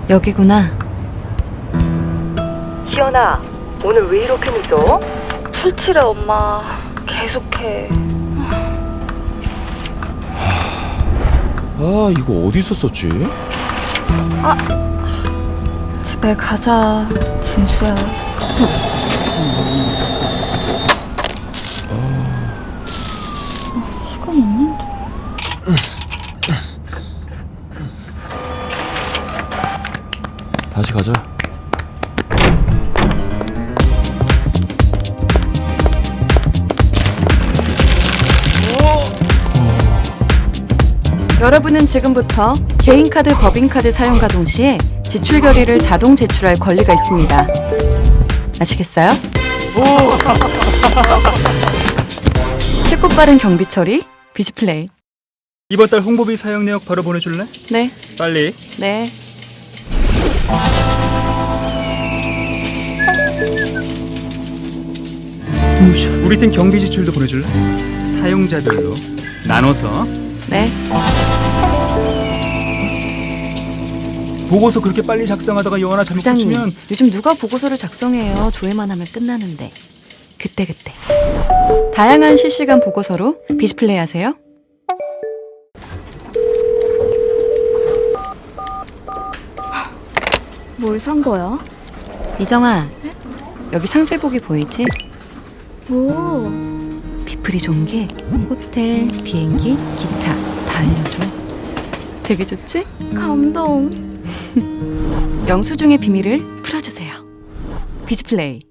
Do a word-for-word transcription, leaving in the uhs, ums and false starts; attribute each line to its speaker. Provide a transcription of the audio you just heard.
Speaker 1: 여기구나.
Speaker 2: 희연아, 오늘 왜 이렇게 늦어?
Speaker 3: 출출해 엄마. 계속해.
Speaker 4: 아, 이거 어디서 썼지?
Speaker 1: 집에 가자, 진수야. 어, 시간 없는데.
Speaker 4: 다시 가자.
Speaker 1: 여러분은 지금부터 개인카드, 법인카드 사용과 동시에 지출 결의를 자동 제출할 권리가 있습니다. 아시겠어요? 쉽고 빠른 경비 처리, 비즈플레이.
Speaker 5: 이번 달 홍보비 사용 내역 바로 보내줄래?
Speaker 1: 네,
Speaker 5: 빨리.
Speaker 1: 네.
Speaker 5: 우리 팀 경비 지출도 보내줄래? 사용자별로 나눠서.
Speaker 1: 네.
Speaker 5: 보고서 그렇게 빨리 작성하다가 영 하나 잘못
Speaker 1: 부장님,
Speaker 5: 붙이면
Speaker 1: 요즘 누가 보고서를 작성해요? 조회만 하면 끝나는데. 그때그때. 다양한 실시간 보고서로 비즈플레이 하세요.
Speaker 6: 뭘 산 거야?
Speaker 1: 이정아, 여기 상세보기 보이지?
Speaker 6: 오,
Speaker 1: 비플이 좋은 게 호텔, 비행기, 기차 다 알려줘. 되게 좋지?
Speaker 6: 감동.
Speaker 1: 영수증의 비밀을 풀어주세요. 비즈플레이.